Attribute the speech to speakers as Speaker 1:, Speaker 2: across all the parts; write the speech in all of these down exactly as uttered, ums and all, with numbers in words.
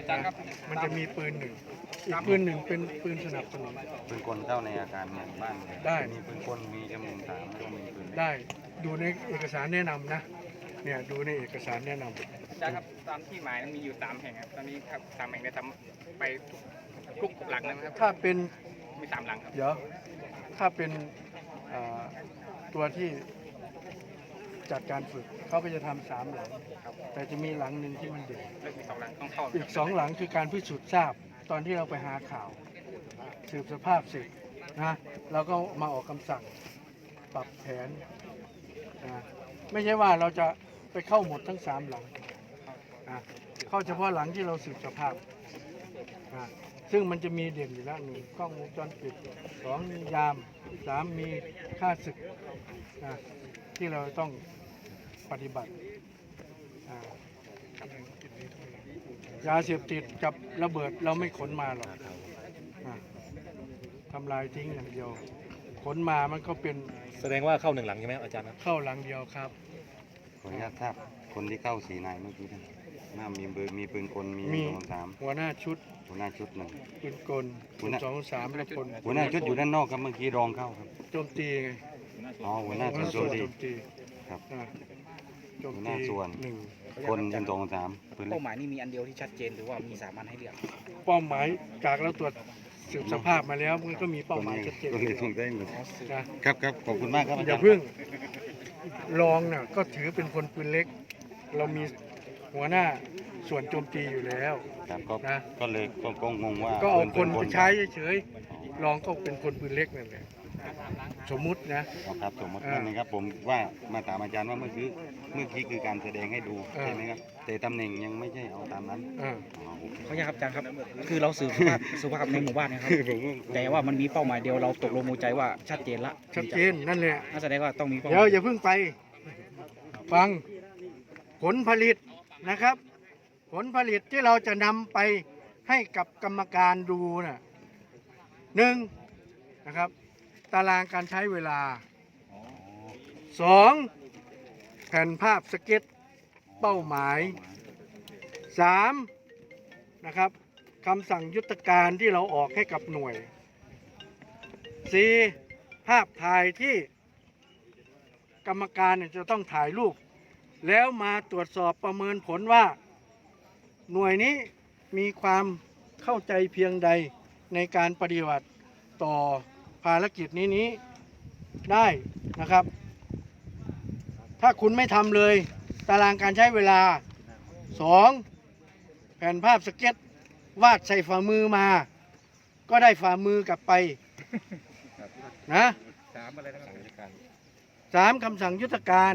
Speaker 1: อาจารย์ครับ
Speaker 2: มันจะมีปืนหนึ่งอีกปืนหนึ่งเป็นปืนสนับสนุน
Speaker 3: ปืนกลเข้าในอาคารเนี่ยบ้านเนี่ย
Speaker 2: ได้
Speaker 3: มีปืนกลมีเอ็มหนึ่งสามแล้วก็มีปืน
Speaker 2: ได้ดูในเอกสารแนะนำนะเนี่ยดูในเอกสารแนะนำ
Speaker 1: อาจารย์ครับตามที่หมายมีอยู่สามแห่งครับตอนนี้ครับสามแห่งได้ทำไปทุกหลังนะครับ
Speaker 2: ถ้าเป็น
Speaker 1: มีสามหลังครับ
Speaker 2: เดี๋ยวถ้าเป็นอ่าตัวที่จัดการฝึกเขาก็จะทำสามหลัง แต่จะมีหลังหนึ่งที่มันเด่น
Speaker 1: เลือกมีสองหลังต้องเข้า
Speaker 2: อีกสองหลังคือการพิสูจน์ทราบตอนที่เราไปหาข่าว สืบสภาพเสร็จนะเราก็มาออกคำสั่งปรับแผนนะไม่ใช่ว่าเราจะไปเข้าหมดทั้งสามหลังนะเข้าเฉพาะหลังที่เราสืบสภาพนะซึ่งมันจะมีเด่นอยู่แล้วหนึ่งกล้องวงจรปิดสองมียามสามมีค่าศึกนะที่เราต้องปฏิบัติอ่ายาเสพติดกับระเบิดเราไม่ขนมาหรอกอ่ะทำลายทิ้งอย่างเดียว ขนมามันก็เป็น
Speaker 4: แสดงว่าเข้าหนึ่งหลังใช่ไหมอาจารย์ครับ
Speaker 2: เข้าหลังเดียวครับ
Speaker 3: ขออนุญาตทราบคนที่เข้าสีนายเมื่อกี้นะน่ามีเบอร์มีปืนกลมี
Speaker 2: มี
Speaker 3: สองสาม
Speaker 2: หัวหน้าชุด
Speaker 3: หัวหน้าชุดหนึ่ง
Speaker 2: ปืนกล
Speaker 3: หัวหน้า
Speaker 2: สองสามและพล
Speaker 3: หัวหน้าชุดอยู่ด้านนอกครับเมื่อกี้รองเข้าครับ
Speaker 2: โจมตีไง
Speaker 3: อ๋อหัวหน้าส่วนโจมตี
Speaker 2: โจมตี
Speaker 3: ครับ
Speaker 2: นะโจม
Speaker 3: หัวห
Speaker 2: ตี
Speaker 3: น้าส่วน
Speaker 2: หนึ่ง
Speaker 3: คนเอ็มสองสามปืนเล็
Speaker 5: เป้าก หมายนี่มีอันเดียวที่ชัดเจนหรือว่ามีสามอันให้เลือก
Speaker 2: เป้าหมายจากเราตรวจสืบสภาพมาแล้วมันก็มีเป้าหมายชัดเจน
Speaker 3: ก็เลยถูกได้หมด
Speaker 2: นะครับ
Speaker 3: ครับขอบคุณมากครับอา
Speaker 2: อ
Speaker 3: จา
Speaker 2: ย่าร
Speaker 3: ย์
Speaker 2: เพิ่งรองน่ะก็ถือเป็นคนปืนเล็ก เรามีหัวหน้าส่วนโจมตีอยู่แล้ว
Speaker 3: ครับก็
Speaker 2: นะ
Speaker 3: ก็เลยก็ก็งงว่า
Speaker 2: ก็เอาคน
Speaker 3: ปื
Speaker 2: ไปใช้เฉยๆรองก็เป็นคนปืนเล็กนั่นแหละสมมุตินะ
Speaker 3: อ๋อครับสมมติ
Speaker 2: อ่า
Speaker 3: นั่นนะครับผมว่ามาถามอาจารย์ว่าเมื่อกี้เมื่อกี้คือการแสดงให้ดู
Speaker 2: อ่า
Speaker 3: ใช่ไหมครับแต่ตำแหน่งยังไม่ใช่เอาตามนั้น
Speaker 2: อ่า
Speaker 3: อ๋อโอเค
Speaker 5: เขาอยากครับอาจารย์ครับ คือเราสืบสภาพสุภาพในหมู่บ้านเนะครับ
Speaker 3: ผมก็
Speaker 5: แต่ว่ามันมีเป้าหมายเดียวเราตกลงมูใจว่าชัดเจนละ
Speaker 2: ชัดเจนนั่นแหละ
Speaker 5: น่าแสดงว่าต้องมีเป้าห
Speaker 2: เดี๋ยว
Speaker 5: มาย
Speaker 2: อย่าเพิ่งไปฟังผลผลิตนะครับ ผลผลิตที่เราจะนำไปให้กับกรรมการดูน่ะหนึ่งนะครับ ตารางการใช้เวลาสองแผ่นภาพสเก็ตเป้าหมายสามนะครับคำสั่งยุทธการที่เราออกให้กับหน่วยสี่ภาพถ่ายที่กรรมการเนี่ยจะต้องถ่ายรูป แล้วมาตรวจสอบประเมินผลว่าหน่วยนี้มีความเข้าใจเพียงใดในการปฏิบัติต่อภารกิจนี้นี้ได้นะครับ ถ้าคุณไม่ทำเลยตารางการใช้เวลาสองแผ่นภาพสเก็ตวาดใส่ฝ่ามือมา ก็ได้ฝ่ามือกลับไปนะ
Speaker 5: สามอะไรนะครับ
Speaker 2: สามคำสั่งยุทธการ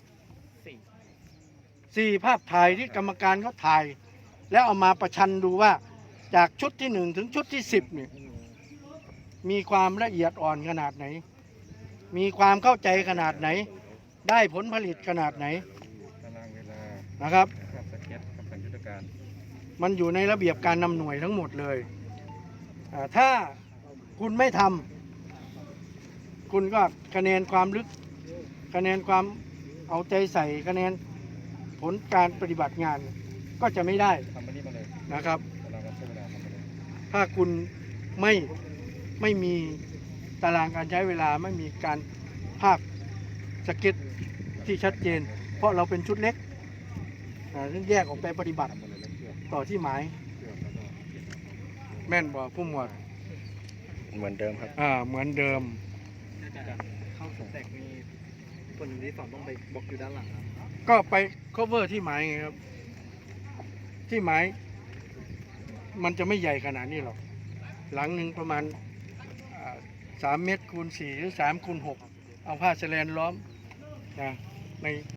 Speaker 2: สี่ภาพถ่ายที่กรรมการเขาถ่าย แล้วเอามาประชันดูว่าจากชุดที่หนึ่งถึงชุดที่สิบเนี่ยมีความละเอียดอ่อนขนาดไหน มีความเข้าใจขนาดไหน ได้ผลผลิตขนาดไหน
Speaker 4: ตารางเวลา
Speaker 2: นะครับ
Speaker 4: ภาพสเก็ตคำสั่งยุทธการ
Speaker 2: มันอยู่ในระเบียบการนำหน่วยทั้งหมดเลยอ่าถ้าคุณไม่ทำคุณก็คะแนนความลึก คะแนนความเอาใจใส่คะแนนผลการปฏิบัติงานก็จะไม่ได้
Speaker 4: ทำมานี่มาเลย
Speaker 2: นะครับ
Speaker 4: ตารางการใช้เวลาทำมาเลย
Speaker 2: ถ้าคุณไม่ไม่มีตารางการใช้เวลาไม่มีการภาพสเก็ตที่ชัดเจน เพราะเราเป็นชุดเล็กอ่าแยกออกไปปฏิบัติ
Speaker 4: ทำมาเลยแล้วเชือก
Speaker 2: ต่อที่หมาย
Speaker 4: เชือกแล้วก็
Speaker 2: แม่นบ่ผู้หมวด
Speaker 4: เหมือนเดิมครับ
Speaker 2: อ่าเหมือนเดิม
Speaker 1: เข้าสแต็กมีคนที่สองต้องไปบล็อกอยู่ด้านหลังครับ
Speaker 2: ก็ไป cover ที่หมายไงครับ ที่หมายมันจะไม่ใหญ่ขนาดนี้หรอก หลังหนึ่งประมาณอ่าสามเมตรคูณสี่หรือสามคูณหกเอาผ้าแสแลนล้อมนะใน